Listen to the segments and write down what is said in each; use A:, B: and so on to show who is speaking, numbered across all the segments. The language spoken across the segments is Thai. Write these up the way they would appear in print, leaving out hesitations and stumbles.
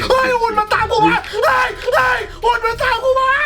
A: เฮ้ยหุ่นมันตามกูมาเฮ้ยหุ่นมันตามกูมา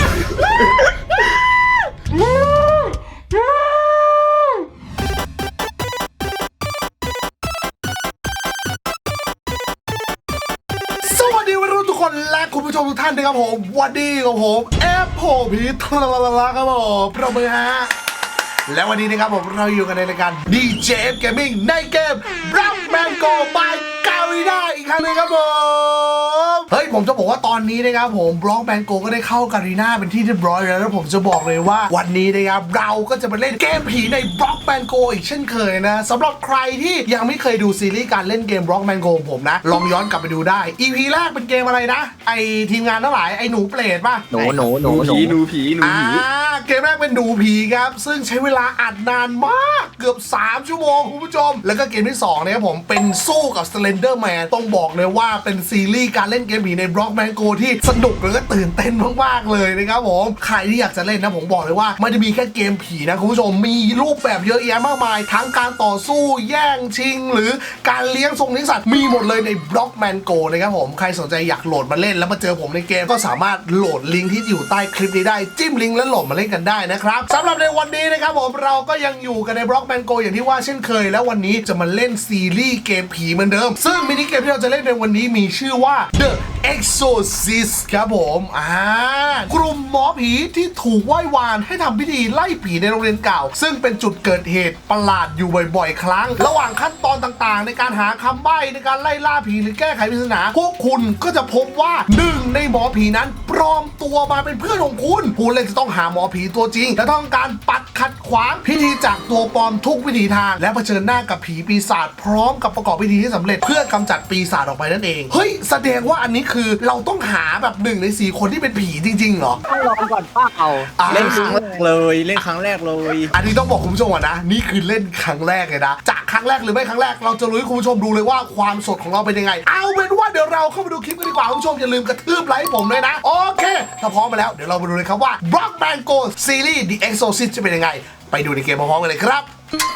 A: สวัสดีวัยรุ่นทุกคนและคุณผู้ชมทุกท่านนะครับผมวันนี้กับผมแอปโผพีทลาลาครับผมประมือฮะและวันนี้นะครับผมเราอยู่กันในรายการ DJF Gaming ในเกม Block Mango by Garena อีกครั้งนึงครับผมเฮ้ยผมจะบอกว่าตอนนี้นะครับผม Block Mango ก็ได้เข้า Garena เป็นที่เรียบร้อยแล้วผมจะบอกเลยว่าวันนี้นะครับเราก็จะมาเล่นเกมผีใน Block Mango อีกเช่นเคยนะสำหรับใครที่ยังไม่เคยดูซีรีส์การเล่นเกม Block Mango ผมนะลองย้อนกลับไปดูได้ EP แรกเป็นเกมอะไรนะไอทีมงานทั้งหลายไอหนูเปรตป่ะ
B: หนูผี
A: เกมแรกเป็นหนูผีครับซึ่งใช้เวลาอัดนานมากเกือบ3ชั่วโมงคุณผู้ชมแล้วก็เกมที่2นะครับผมเป็นสู้กับ Slender Man ต้องบอกเลยว่าเป็นซีรีส์การเล่นเกมผีใน Block Mango ที่สนุกแล้วก็ตื่นเต้นมากๆเลยนะครับผมใครที่อยากจะเล่นนะผมบอกเลยว่าไม่ได้มีแค่เกมผีนะคุณผู้ชมมีรูปแบบเยอะแยะมากมายทั้งการต่อสู้แย่งชิงหรือการเลี้ยงสัตว์มีหมดเลยใน Block Mango นะครับผมใครสนใจอยากโหลดมาเล่นแล้วมาเจอผมในเกมก็สามารถโหลดลิงก์ที่อยู่ใต้คลิปนี้ได้จิ้มลิงก์แล้วโหลดมาเล่นกันได้นะครับสำหรับในวันนี้นะครับผมเราก็ยังอยู่กันใน Block Mango อย่างที่ว่าเช่นเคยแล้ววันนี้จะมาเล่นซีรีส์เกมผีเหมือนเดิมซึ่งมินิเกมที่เราจะเล่นในวันนี้มีชื่อว่า The Exorcist ครับผมกลุ่มหมอผีที่ถูกไหว้วานให้ทำพิธีไล่ผีในโรงเรียนเก่าซึ่งเป็นจุดเกิดเหตุประหลาดอยู่บ่อยๆครั้งระหว่างขั้นตอนต่างๆในการหาคำใบ้ในการไล่ล่าผีหรือแก้ไขปริศนาพวกคุณก็จะพบว่าหนึ่งในหมอผีนั้นปลอมตัวมาเป็นเพื่อนของคุณผู้เล่นจะต้องหาหมอผีตัวจริงและต้องการปัดขัดขวางพิธีจากตัวปลอมทุกวิถีทางและเผชิญหน้ากับผีปีศาจพร้อมกับประกอบพิธีที่สำเร็จเพื่อกำจัดปีศาจออกไปนั่นเองเฮ้ยแสดงว่าอันนี้คือเราต้องหาแบบ1 ใน 4คนที่เป็นผีจริงๆเหรอ
B: ต้องลองก่อนป้าเล่นครั้งแรกเลย
A: อันนี้ต้องบอกคุณผู้ชมก่อนนะนี่คือเล่นครั้งแรกเลยนะจะครั้งแรกหรือไม่ครั้งแรกเราจะรู้ให้คุณผู้ชมดูเลยว่าความสดของเราเป็นยังไงเอาเป็นว่าเดี๋ยวเราเข้าไปดูคลิปกันดีกว่าคุณผู้ชมอย่าลืมกระทืบไลค์ผมเลยนะโอเคถ้าพร้อมมาแล้วเดี๋ยวเราไปดูเลยครับว่า Block Mango Series The Exorcist จะเป็นยังไงไปดูในเกมพร้อมๆกันเลยครับ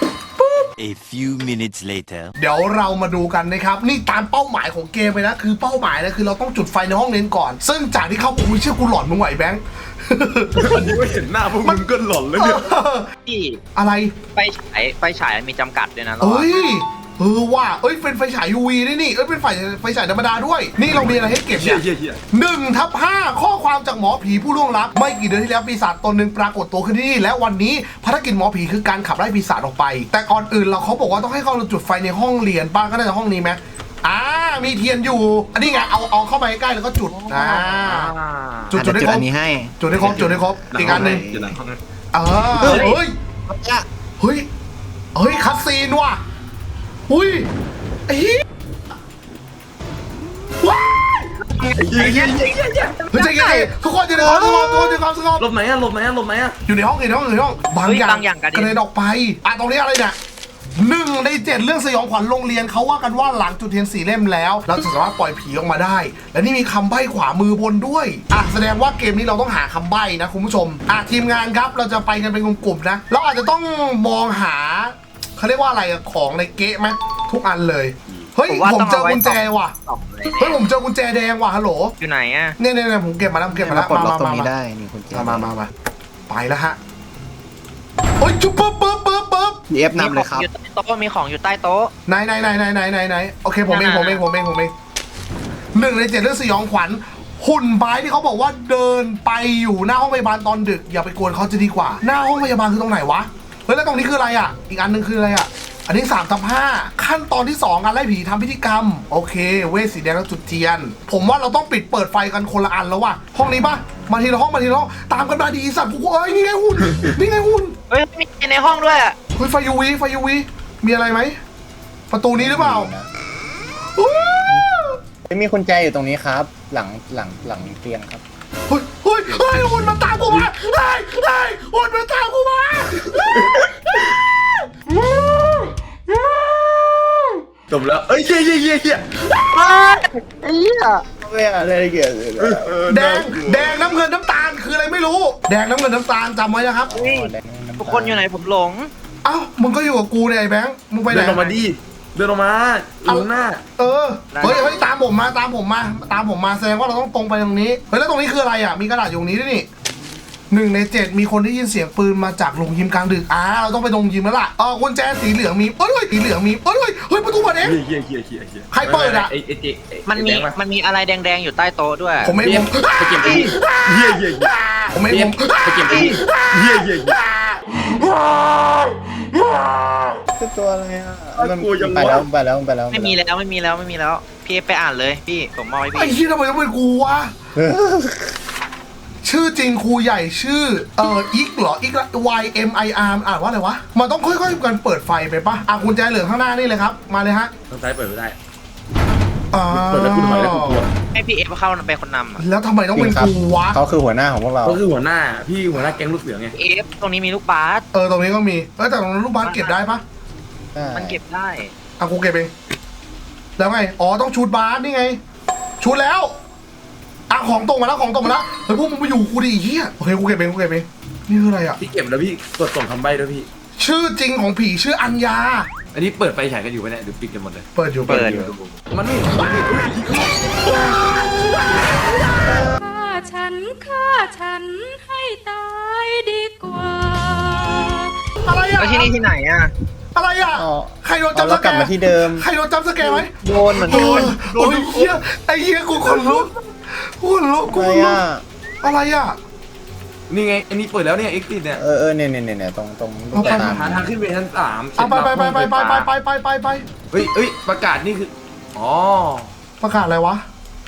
C: A few minutes later
A: เดี๋ยวเรามาดูกันนะครับนี่ตามเป้าหมายของเกมไปนะคือเป้าหมายนะคือเราต้องจุดไฟในห้องเรียนก่อนซึ่งจากที่เข้ากูเชื่อกูหลอนมึงไหวแบงค์
D: วันนี้ไม่เห็นหน้าพวกมึงก็หลอนแล้วเนี่ย
B: พี่
A: อะไร
B: ไฟฉายมีจำกัดด้วยนะ
A: เฮ้ยว่าเป็นไฟฉาย UV ด้วยนี่เป็นไฟฉายธรรมดาด้วยนี่เรามีอะไรให้เก็บเนี่ย1/5ข้อความจากหมอผีผู้ล่วงลับไม่กี่เดือนที่แล้วปีศาจตนหนึ่งปรากฏตัวขึ้นที่นี่และวันนี้ภารกิจหมอผีคือการขับไล่ปีศาจออกไปแต่ก่อนอื่นเขาบอกว่าต้องให้เขาจุดไฟในห้องเรียนป้าก็น่าจะห้องนี้ไหมมีเทียนอยู่อันนี้ไงเอาเข้าไปใกล้แล้วก็จุดจุดได้ครบจุดได้ครบอีกอันหนึ่งเฮ้ยคัสซีนว่ะอุ้ยไอ้ว้ายเฮ้ยใจเย็นทุกคนอยู่ในห้องสงบ
D: หลบไหนอะ
A: อยู่ในห้องบางอย่างกระเด็นออกไปตรงนี้อะไรเนี่ย1 ใน 7เรื่องสยองขวัญโรงเรียนเขาว่ากันว่าหลังจุดเทียน4 เล่มแล้วเราจะสามารถปล่อยผีออกมาได้และนี่มีคำใบ้ขวามือบนด้วยแสดงว่าเกมนี้เราต้องหาคำใบ้นะคุณผู้ชมทีมงานครับเราจะไปกันเป็นกลุ่มๆนะเราอาจจะต้องมองหาเขาเรียกว่าอะไรของในเก๊ะไหมทุกอันเลยเฮ้ยผมเจอกุญแจว่ะผมเจอกุญแจแดงว่ะฮัลโหล
B: อยู่ไหนอะ
A: เนี่ยผมเก็บมาแล้ว
B: ปลดล็อกตรงนี้ได้นี่กุญแจ
A: มาไปแล้วฮะโอ้ยจุ๊บปึ๊บ
B: เอฟนำเลยครับอยู่ใต้โต๊ะมีของอยู่ใต้โต๊ะ
A: ไหนโอเคผมเอง1 ใน 7เรื่องสยองขวัญหุ่นไม้ที่เขาบอกว่าเดินไปอยู่หน้าห้องพยาบาลตอนดึกอย่าไปกวนเขาจะดีกว่าหน้าห้องพยาบาลคือตรงไหนวะเฮ้ยแล้วตรงนี้คืออะไรอ่ะอีกอันนึงคืออะไรอ่ะอันนี้3/5ขั้นตอนที่2การไล่ผีทำพิธีกรรมโอเคเวทสีแดงแล้วจุดเทียนผมว่าเราต้องเปิดไฟกันคนละอันแล้วว่ะห้องนี้ป่ะมาทีละห้องตามกันมาดีสัตว์กูนี่ไงหุ่น
B: เฮ้ยมีในห้องด้วย
A: เฮ้ยไฟยูวีมีอะไรไหมประตูนี้หรือเปล่า
B: มีกุญแจอยู่ตรงนี้ครับหลังเตียงครับ
A: เฮ้ยหุ่นมันตามกูมาหุ่นมันตามกูมา
D: จบแล้วเฮีย
B: ไม่อะไรเกี่ยว
A: แดงน้ำเงินน้ำตาลคืออะไรไม่รู้แดงน้ำเงินน้ำตาลจำไว้นะครับ
B: ทุกคนอยู่ไหนผมหลง
A: มึงก็อยู่กับกูเนี่ยไอ้แบงค์มึงไปไหน
D: มาดิเดินออกมาอยู่ข้างหน้า
A: เฮ้ยตามผมมาแสดงว่าเราต้องตรงไปตรงนี้เฮ้ยแล้วตรงนี้คืออะไรอ่ะมีกระดาษอยู่ตรงนี้ด้วยนี่1 ใน 7มีคนได้ยินเสียงปืนมาจากโรงยิมกลางดึกเราต้องไปโรงยิมแล้วล่ะกุญแจสีเหลืองมีสีเหลืองมีเฮ้ยประตูเปิดเอง
D: เฮีย
A: ใครเปิดอะ
D: ไอ้เจ๊
B: มันมีอะไรแดงๆอยู่ใต้โต๊ะด้วย
A: ผมไม่ผม
D: ไปเก็บไปเฮีย
A: ผมไม่ผม
D: ไปเก็บไปเฮีย
B: คือตัวอะไรอ่ะ
D: กลัวยัง
B: ไป
D: วะ
B: แล้ว
E: ไม่มีแล้วพี่ไปอ่านเลยพี่ผมมอบให้
A: ไอ้
E: พี่
A: ที่ทำไมต้องเป็นกูวะชื่อจริงครูใหญ่ชื่ออิกเหรออิก YMIR อ่านว่าอะไรวะมันต้องค่อยๆกันเปิดไฟไปปะกุญแจเหลืองข้างหน้านี่เลยครับมาเลยฮะ
D: ทางซ้ายเปิดไม่ได้
A: อ่า
D: เปิดแล้วคุณถอยแล้วคุณกลัว
E: ให้พี่เอฟเข้าเป็นคนนำอ่ะ
A: แล้วทำไมต้องเป็นกูวะ
B: เขาคือหัวหน้าของพวกเรา
D: ก็คือหัวหน้าแก๊งลูกเสือไง
E: เอฟตรงนี้มีลูกบาส
A: ตรงนี้ก็มีแต่ตรงนั้นลูกบาสเก็บได้ปะ
E: มันเก็บได้
A: กูเก็บเองแล้วไงต้องชูดบาสนี่ไงชูดแล้วของตรงมาแล้วเฮ้ยพวกมึงไปอยู่กูดิเฮียโอเคกูเก็บเองนี่คืออะไรอ่ะ
D: พี่เก็บแล้วพี่ตรวจส่งคำใบ้ด้วยพี่
A: ชื่อจริงของผีชื่ออัญญา
D: อันนี้เปิดไฟฉายกันอยู่ไหมเนี่ยหรือปิดกันหมดเลย
A: เปิดอยู่
D: มันไม่
F: ฆ่าฉันให้ตายดีกว่า
A: อะไรอ่ะ
E: แล้วที่นี่ที่ไหนอ่ะ
A: อะไรอ่ะใครโดนจับส
B: แล้ว
A: แก
B: กลับมาที่เดิม
A: ใครโดนจับสแกไหม
E: โดนเหมือน
A: โด
E: กัน
A: โอ้ยเฮียไอ้เฮียกูขนลุกกูขนลุก อะไรอ่ะ
D: นี่ไงอันนี้เปิดแล้วเนี่ยเอ็กซิสเนี่ย
B: เนี่ยตรงลูกตา
D: หาทางขึ้นไปชั้น 3
A: เอาไป
D: เฮ้ยประกาศนี่คืออ๋อ
A: ประกาศอะไรวะ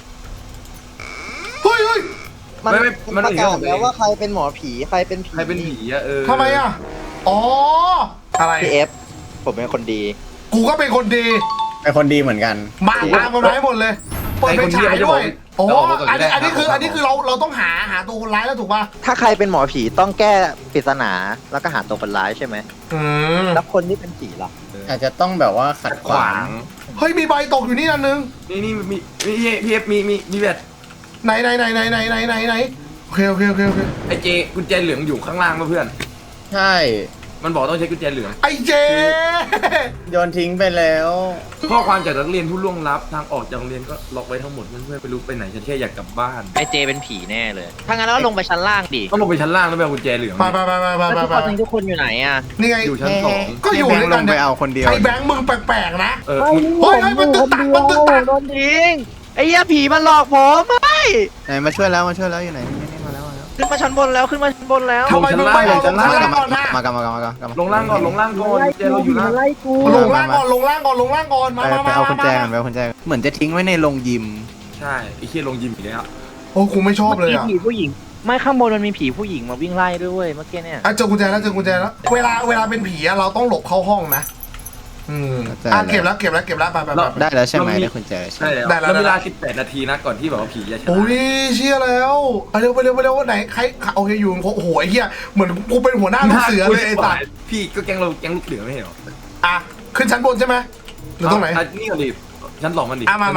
A: เฮ้ย
D: มันประกาศแล้วว่า
B: ใครเป็นหมอผีใครเป็นผี
D: ใครเป็นผีอะ
A: ทำไมอ่ะอะไร
E: พี่เอฟผมเป็นคนดี
A: กูก็เป็นคนดี
B: เป็นคนดีเหมือนกัน
A: มาตามกันไว้หมดเลยเปิดเป็นฉายด้วยอันนี้คือเราต้องหาตัวคนร้ายแล้วถูกป่ะ
G: ถ้าใครเป็นหมอผีต้องแก้ปริศนาแล้วก็หาตัวคนร้ายใช่ไหม แล้วคนที่เป็นผีล่ะ
B: อาจจะต้องแบบว่าขัดขวาง
A: เฮ้ยมีใบตกอยู่นี่อันนึง
D: นี่มีพี่เอฟมีแบบ
A: ไหนโอเค
D: ไอเจกุญแจเหลืองอยู่ข้างล่างเพื่อน
B: ใช่
D: มันบอกต้องใช้กุญแจเหลือง
A: ไอ้เจ
B: โยนทิ้งไปแล้ว
D: ข้อความจากนักเรียนผู้ล่วงลับทางออกจากโรงเรียนก็ล็อกไว้ทั้งหมดเพื่อนๆไปรู้ไปไหนฉันแค่อยากกลับบ้าน
E: ไอเจเป็นผีแน่เลยถ้างั้นเราลงไปชั้นล่างดิ
D: ต้องลงไปชั้นล่างแล้วไปเอากุญแจเหลือง
A: ไป
E: แล้วทุกคนอยู่ไหนอ่ะ
A: นี่ไง
D: อยู่ชั้น 2
A: ก็อยู่ด้วยกัน
B: ไปเอาคนเดียว
A: ไอ้แบงค์มึงแปลกๆนะ
D: เออ
A: เฮ้ยมันตึกตัก
E: โดนทิ้งไอ้เหี้ยผีมันหลอกผมไม่
B: ไหนมาช่วยแล้วอยู่ไหนมาแล้ว
E: ขึ้นมาชั้นบนแล้ว
A: ทำไมมึงไม่เอาลงล่างก่อนนะ
B: มากลับ
D: ลงล่างก่อนกุญแจเราอยู่ล่าง
A: ลงล่างก่อนมา
B: ไปเอากุญแจกันเหมือนจะทิ้งไว้ในโรงยิม
D: ใช่ไอ้เคียลงยิมอีกแล้ว
A: โอ้กูไม่ชอบเลย
E: มี
A: อ่ะ
E: ผีผู้หญิง ไม่ข้างบนมันมีผีผู้หญิงมาวิ่งไล่ด้วยเว้ยเมื่อกี้เนี่ย
A: เจอกุญแจแล้วเวลาเป็นผีอะเราต้องหลบเข้าห้องนะเก็บแล้วไป
B: ได้แล้วใช่ไหมได้กุญแจใช่
D: ใช่แล้วเวลา18 นาทีนะก่อนที่แบบว่าผีจะชนะ
A: โอ้ยเชี่ยแล้วไปเร็วไหนใครโอเคอยู่โอ้โหไอ้เหี้ยเหมือนกูเป็นหัวหน้าลูกเสือเลยไอ้สัตว์
D: พี่ก็แก๊งลูกเสือไม่ใช่หรอ
A: ขึ้นชั้นบนใช่ไหมหรือตรงไหน
D: นี่ก่อนดิชั้น 2มันดิ
A: มา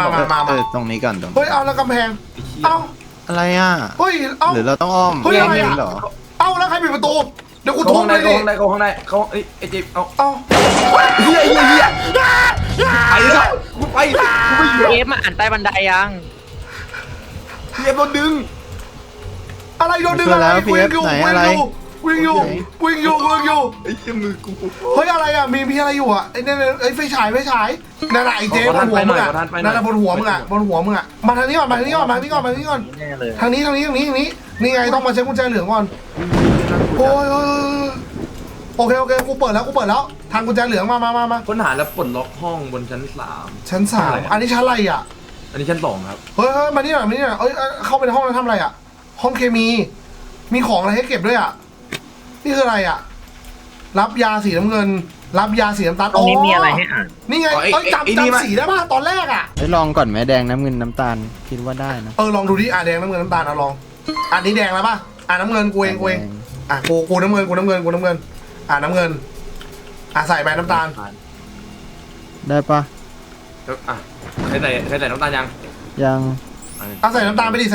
B: ตรงนี้ก่อน
A: เฮ้ยเอาแล้วกำแพงเอา
B: อะไรอ่ะ
A: เฮ้ยเอา
B: หรือเราต้องอ้อม
A: เฮ้ยอะไรอ่ะ
B: เหรอ
A: เอาแล้วใครปิดประตูเดี๋ยวกูทุบ
D: ข้าง
A: เล
D: ใน
A: ยดิ
D: ข้างในเขาไอ้เจ๊เอา
A: เอา
D: เฮียไปแล้วกูไปอยู่
E: เอฟมาอ่านใต้บันไดยัง
D: เฮียโดนดึง
A: อะไรโดนดึงอะไรวิ่งอยู่
D: ไอ้เหี้ยมือกู
A: เฮ้ยอะไรอ่ะมีอะไรอยู่อ่ะไอ้เนี่ยไอ้ไฟฉายนั่นไอ้เจ๊บนหัวมึงอ่ะนั่นบนหัวมึงอ่ะมาทางนี้ก่อน
E: แน่เลย
A: ทางนี้นี่ไงต้องมาเช็คกุญแจเหลืองก่อนโอ้ยโอเคกูเปิดแล้วทางกุญแจเหลืองมา
D: ค้นหาแล้วปลดล็อกห้องบนชั้น
A: ชั้น 3อันนี้ชั้นอะไรอ่ะ
D: 3อันนี้ชั้น 2ครับ
A: เฮ้ยมานี่หน่อยเอ้ยเข้าไปในห้องแล้วทำอะไรอ่ะห้องเคมีของอะไรให้เก็บด้วยอ่ะนี่คืออะไรอ่ะรับยาสีน้ำเงินรับยาสีน้ำตาล
E: ตรงนี้มีอะไรให้อ่าน
A: นี่ไงจำสีได้ป่ะตอนแรกอ่ะ
B: ลองก่อนไหมแดงน้ำเงินน้ำตาลคิดว่าได้นะ
A: ลองดูดิแดงน้ำเงินน้ำตาลลองอันนี้แดงแล้วป่ะน้ำเงินกูเองกูน้ำเงินน้ำเงินใส่ไปน้ำตาล
B: ได้ปะ
D: ใครใส่น้ำตาลยัง
B: ยัง
A: ใส่น้ำตาลไปดิ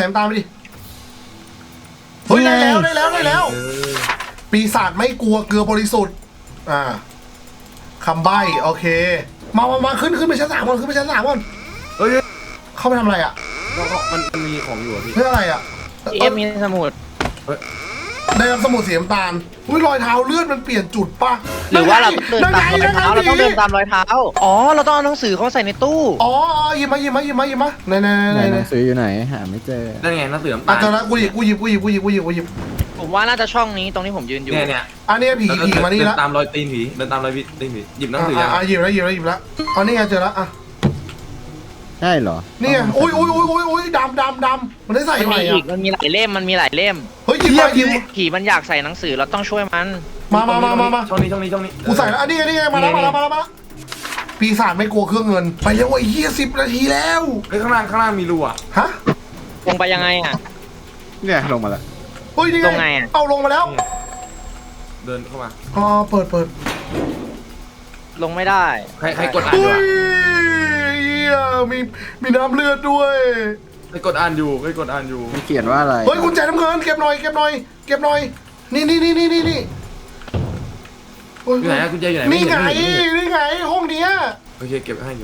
A: เฮ้ยได้แล้วปีศาจไม่กลัวเกลือบริสุทธิ์คำใบ้โอเคมาขึ้นไปชั้น3ก่อนขึ้นไปชั้น3ก่อน
D: เฮ้ย
A: เข้าไปทำอะไรอ่ะ
D: มันมีของอยู่อะพี่
A: เพื่ออะไรอ่ะ
E: พี่เอฟมีสมุด
A: ได้รับสมุดสีน้ำตาลอุ้ยรอยเท้าเลือดมันเปลี่ยนจุดป่ะ
E: หรือว่าเราต้องเดินตามรอยเท้าเราต้องเดินตามรอยเท้าอ๋อเราต้องเอาหนังสือเขาใส่ในตู้
A: อ๋อหยิบมาไหน
B: ไหนหนังสืออยู่ไหนหาไม่เจอ
D: นั่นไงหนังสือ
A: อ่ะเจอแล้วกูหยิบ
E: ผมว่าน่าจะช่องนี้ตรงที่ผมยืนอยู่
D: เนี่ย
A: อันนี้ผีมานี่แล้ว
D: เดินตามรอยตีนผีเดินตามรอยตีนผีหยิบหนังสือยัง
A: หยิบแล้วอ๋อนี่ไงเจอแล้วอ่ะ
B: ใช่เหรอ
A: นี่ไงอุ้ยดำมันได้ใส่
E: มัน
A: ใหม่
E: มี
A: อ่ะ
E: อีกมันมีหลายเล่ม
A: เฮ้ยหยิบ
E: ผีมันอยากใส่หนังสือเราต้องช่วยมัน
A: มา
D: ช่องนี้
A: กูใส่แล้วอันนี้ไงมาแล้วปีศาจไม่กลัวเครื่องเงินไปเร็วไอ้เหี้ย10 นาทีแล้ว
D: เฮ้ยข้างล่างมีรูอ่ะ
A: ฮะ
E: ลงไปยังไงอ่ะ
B: เนี่ยลงมาแล้ว
A: เฮ้ยนี่
E: ลงไงอะ
A: เอาลงมาแล้ว
D: เดินเข้ามา
A: อ๋อเปิด
E: ลงไม่ได้
D: ใครกดอ่านอ
A: เฮ้
D: ยู่
A: ย
D: อะ
A: เหี้ยมีน้ำเลือดด้วย
D: ใครกดอ่านอยู่
B: มันเขียนว่าอะไร
A: เฮ้ยกุญแจน้ำเงินเก็บหน่อยนี่โอ้ย
D: อยู่ไหนอะกุญแจอยู่ไหน
A: นี่ไง
D: ม่เห็น
A: นี่ไงห้องเนี้ย
D: โอเคเก็บให้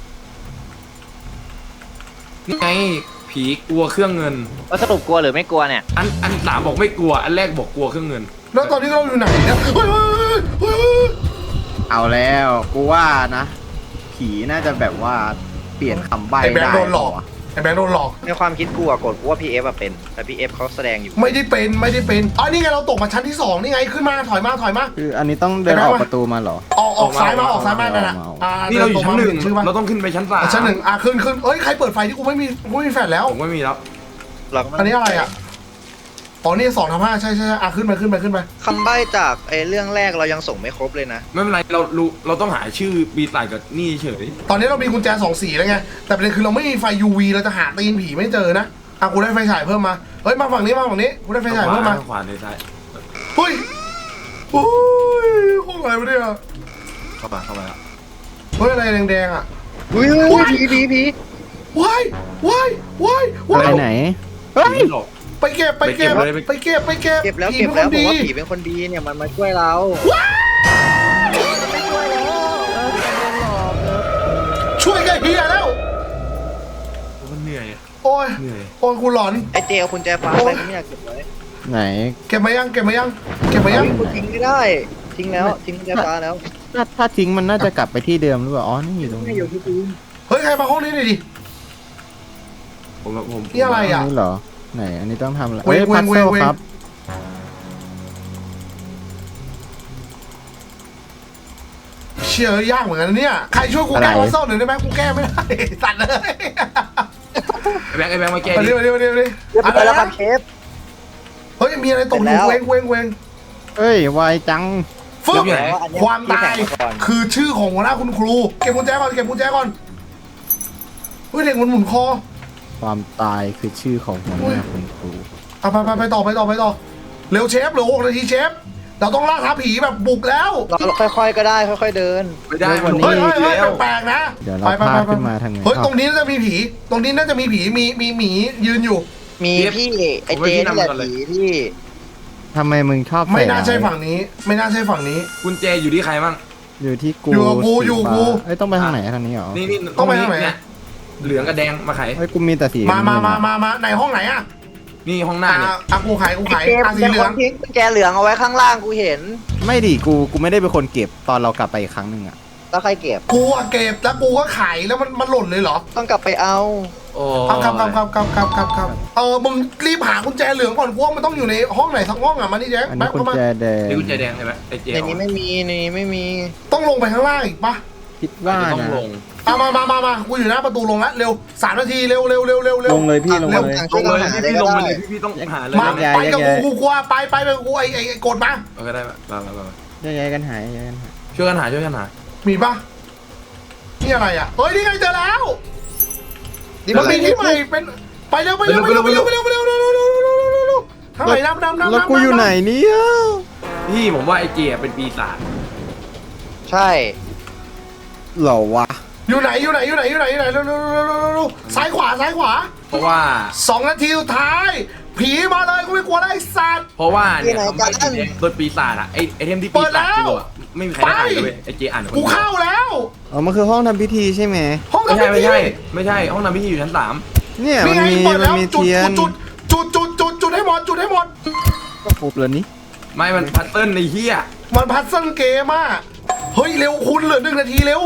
D: นี่ไงผีกลัวเครื่องเงิน
E: ว่าสรุปกลัวหรือไม่กลัวเนี่ย
D: อัน3บอกไม่กลัวอันแรกบอกกลัวเครื่องเงิน
A: แล้วตอนนี้เราอยู่ไหนเนี่ยเฮ้ย
B: เอาแล้วกูว่านะ ผีน่าจะแบบว่าเปลี่ยนคำใบ้
A: ไอ้แบง
B: ได้
A: ค์โดนหลอกไอ้แบงค์โดนหลอก
E: ในความคิดกูอะกดกูว่าพี่เอฟอะเป็นแต่พี่เอฟเขาแสดงอยู่
A: ไม่ได้เป็นอ๋อนี่ไงเราตกมาชั้นที่2นี่ไงขึ้นมาถอยมา
B: คืออันนี้ต้องเดินออกประตูมาเหรอ
A: ออกซ้ายมานั่นน่ะ
D: นี่เราอยู่ชั้นหนึ่ง
A: ชื่อว่า
D: เราต้องขึ้นไปชั้น3
A: ชั้น 1ขึ้นเอ้ยใครเปิดไฟที่กูไม่มีแฟลชแล้ว
D: ผมไม่มีแล้ว
E: เราก็
A: อันนี้อะไรอ่ะอ๋อนี่2/5ใช่ขึ้นไป
E: คำใบ้จากไอ้เรื่องแรกเรายังส่งไม่ครบเลยนะ
D: ไม่เป็นไรเราต้องหาชื่อปีศาจกับนี่เฉย
A: ตอนนี้เรามีกุญแจ2 สีแล้วไงแต่ประเด็นคือเราไม่มีไฟ UV เราจะหาตีนผีไม่เจอนะกูได้ไฟฉายเพิ่มมาเฮ้ยมาฝั่งนี้กูได้ไฟฉายเพิ่มมา
D: ขวาในซ้าย
A: เฮ้ยห้องอะไรวะเนี่ย
D: เข้ามาแล้ว
A: เฮ้ยอะไรแดงๆอ่ะ
E: อุ้ยผี
A: ว้าย
B: อะไรไหน
D: ผีหลอก
A: ไปเก็บ
E: เก็บแล้ว
A: ผี
E: ผม
A: ดี
E: ว่าผีเป็นคนดีเนี่ยมันมาช่วยเรา
A: ช่วยแกเฮียแล้ว
D: มันเหนื่อย
A: โอ้ยกูหลอน
E: ไอ้เจเอากุญแจฟ้าไปไม่อยากเก็บไว้
B: ไหน
A: เก็บมายัง
E: กูทิ้งไม่ได้ทิ้งแล้วทิ้งกุญแจฟ้าแล้ว
B: ถ้าทิ้งมันน่าจะกลับไปที่เดิมหรือเปล่าอ๋อนี่อยู่ตรง
E: ไม่
B: นี้
E: อยู่ที่พื้น
A: เฮ้ยใครมาห้องนี้หน่อยดิ
D: ผม
A: นี่อะไรอ่ะ
B: นี่เหรอไหนอันนี้ต้องทำอะไร
A: เว้ย
B: พัซเซิล
A: เว้ย
B: ครับ
A: เชื่อยากเหมือนกันนะเนี่ยใครช่วยกูแก้วัซเซิลหน่อยได้ไหมกูแก้ไม่ได้ตัดเลย
D: ไอ้แบงค์มาแก้
A: มา
D: ดิ
A: ดิ
E: เรียบร้อยแล้วครับเชฟ
A: เฮ้ยมีอะไรตกอยู่เว้ง
B: เอ้ยวายจัง
A: ฟึ๊บความตายคือชื่อของหัวหน้าคุณครูเก็บกุญแจก่อนเฮ้ยเด็กมันหมุนคอ
B: ความตายคือชื่อของหัวหน้าคุณครู
A: ไปต่อเร็วเชฟเหลือ6 นาทีเชฟเราต้องล่าท้าผีแบบบุกแล้ว
E: เราค่อยๆก็ได้ค่อยๆเดิน
D: ไม่ได้
B: วันนี้
A: เฮ้ย
D: แล้ว
A: แปลกๆนะ
B: เดี๋ยวเราพาขึ้นมาทางไหน
A: เฮ้ยตรงนี้น่าจะมีผีมีหมียืนอยู่
E: มีพี่ไอ้เจนี่แหละผีที่
B: ทำไมมึงชอบ
A: ไม่น่า
B: ร้ย
A: ใช่ฝั่งนี้
D: กุญแจอยู่ที่ใครบ้าง
B: อยู่ที่กู
A: อยู่กับกู
B: สี
A: อยู่กับกู
B: ฟ้าเอ้ยต้องไปทางไหนทางนี้เหรอ
D: นี่
A: ต้องไปทางไหน
D: เนี่ยเหลืองกับแดงมาไข
B: เฮ้ยกูมีแต่สี
A: มาในห้องไหนอะ
D: นี่ห้องหน้าเนี่ย
A: กูขาย
E: เจม
A: สีเหลือง
E: ทิ้งกุญแจเหลืองเอาไว้ข้างล่างกูเห็น
B: ไม่ดิกูไม่ได้เป็นคนเก็บตอนเรากลับไปอีกครั้งหนึ่งอะ
E: แล้วใครเก็บ
A: กูอะเก็บแล้วกูก็ขายแล้วมันหล่นเลยเหรอ
E: ต้องกลับไปเอา
D: โอ้
A: ครับมึงรีบหากุญแจเหลืองก่อนกูว่ามันต้องอยู่ในห้องไหนสักห้องอะมานี่แจ๊ค
B: อัน
A: แป๊
B: นี้
A: บ
B: กุญ
A: เข้ามา
B: แจแดง
D: นี่กุญแจแดงใช่ไหมไอ้เจ
E: ในนี้ไม่มี
A: ต้องลงไปข้างล่างอีกปะ
B: คิดว่า
D: ต้อง
B: นะ
D: ลง
A: มากูอยู่หน้าประตูลงแล้วเร็ว3 นาทีเร็ว
B: ลงเลยพี่ลง
A: เร็ว
B: เลย
E: ทาง
D: ล
E: ช่วย
D: ง
E: กัน
D: เลย
E: หา
D: พี่
E: ได้
D: ล
E: ก็
D: งมา
E: ได้
D: เลยพี่ต้องหาเลย
A: มาไปกับกูกลัวไปกับกูไอ้กดมา
D: โอเคได้มา
B: ย้ายกันหายย้ายกันหาย
D: ช่วยกันหา
A: มีปะนี่อะไรอ่ะเฮ้ยนี่ไงเจอแล้ว
E: นี่
A: มัน
E: มัน
A: มีที่ใหม่เป็นไปเร็วทางไหนน้ำ
B: แล้วกูอยู่ไหนเนี่ย
D: พี่ผมว่าไอ้เจเป็นปีศาจ
E: ใช่
B: เหรอวะ
A: อยู่ไหนซ้ายขวา
D: เพราะว่า
A: 2 นาทีสุดท้าย ผีมาเลยกูไม่กลัวได้สัตว์
D: เพราะว่าเนี่ยทำให้สีแดงโดนปีศาจอะไอเทมที่ปีศาจกลัวไม่มีใครได้อ่านเลยไอเจอ่านคน
A: กู
D: เดียว
A: เข้าแล้ว
B: อ๋อมันคือห้องทำพิธีใช่ไหม
A: ห้อง
D: ไม่
A: ทำ
D: ใช่
A: พิธี
D: ไม่ใช่ห้องน้ำพิธีอยู่ชั้น 3
B: เนี่ย
A: นี่
B: มัน
A: ไง
B: มี
A: เปิด
B: มั
A: แล้
B: น
A: ว
B: มี
A: จุด
B: เทียน
A: จุดให้หมดจุดให้หมด
B: ก็ครบแล้วนี่
D: ไม่มันพัตเติ้ลในเฮีย
A: มันพัซเซิลเกมอ่ะเฮ้ยเร็วคุณเหลือ1 นาทีเร็ว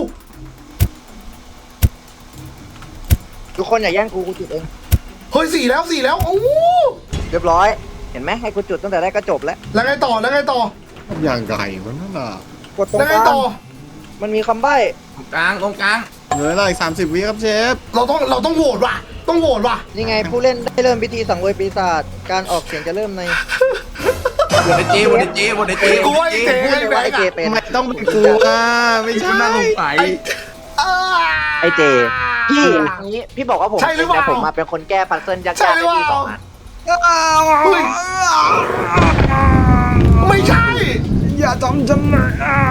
G: ทุกคนอย่าแย่งกูจุดเอง
A: เฮ้ย4 แล้วโอ้โห
G: เรียบร้อย เห็นไหมให้กูจุดตั้งแต่แรกก็จบแล้ว
A: แล้วไงต่อ
B: อย่างไก่มันนั่นน่ะ
G: กดตรง
A: แล้ว
G: ก
A: ไง
G: ลาง
A: ต่อ
G: มันมีคำใบ้
D: ตรงกลาง
B: เหลืออะไร30 วิครับเชฟ
A: เราต้องโหวตว่ะต้องโหวตว่ะ
G: นี่ไงผู้เล่นได้เริ่มพิธีสังเวยปีศาจการออกเสียงจะเริ่มใน
D: บนในเจบนในเจบนในเจ
A: กูว่าไอ้เจ๊
G: พูด
A: ไอ้
G: เลย
A: แบ
G: ว่าง ไอ
A: ค์
G: เจ
A: อะ
G: เป็น
B: ไม่ต้องเป็นกูอ่ะไม่ใช่
D: น่าสงสัย
G: ไอเจพี่อย่างนี้พี่บอกว่าผม
A: ใช่หรือเปล่า
G: แต่ผมมาเป็นคนแก้ปัซเซิลยาก
A: ใช่
G: ๆ
A: หรื
G: ให้
A: อเปล่า
G: พี่2 อัน
A: เฮ้ยไม่ใช่
B: อย่าจำฉันนะ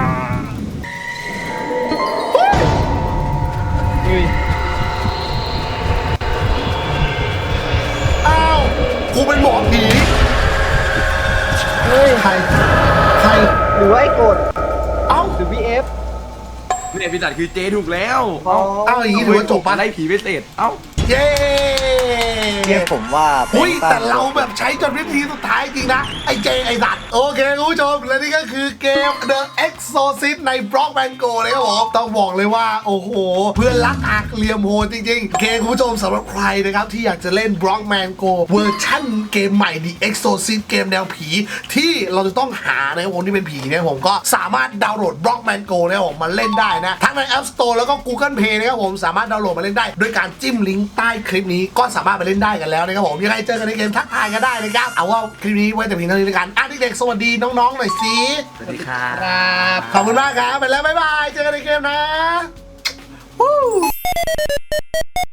A: อ้าวกูเป็นหมอผี
G: เฮ้ย
A: ใคร
G: หรือว่าไอ้โกรธ
A: เอ้า
G: หรือพีเอฟ
D: เนี่ยพิจัดคือเจถูกแล้ว
G: อ๋อ
A: เอ้าอย่างนี้ถือว่าจบปะ
D: ไล่ผีไปเสร็จเอ้า
A: เย้
G: เรียกผมว่า
A: อุ้ย
G: ป็น
A: แต่เราแบบใช้จนวิธีสุดท้ายจริงนะ ไอ้เจไอ้สัตว์โอเคคุณผู้ชมและนี่ก็คือเกม The Exorcist ใน Blockman Go เลยครับผมต้องบอกเลยว่า โอ้โห เพื่อนรักหักเหลี่ยมโหดจริงๆโอเคคุณผู้ชมสำหรับใครนะครับ ที่อยากจะเล่น Blockman Go เวอร์ชั่นเกมใหม่ The Exorcist เกมแนวผี ที่เราจะต้องหานะครับผมที่เป็นผีเนี่ยผมก็สามารถดาวน์โหลด Blockman Go นะครับผมมาเล่นได้นะทั้งใน App Store แล้วก็ Google Play นะครับผมสามารถดาวน์โหลดมาเล่นได้ด้วยการจิ้มลิงก์ใต้คลิปนี้ก็สามารถไปเล่นได้กันแล้วนะครับผมยังไงเจอกันในเกมทักทายกันได้นะครับเอาว่าคลิปนี้ไว้แต่เพียงเท่านี้แล้วกันเด็กๆสวัสดีน้องๆหน่อยสิ
D: สวัสดีครับ
A: ครับขอบคุณมากครับไปแล้วบ๊ายบายเจอกันในเกมนะ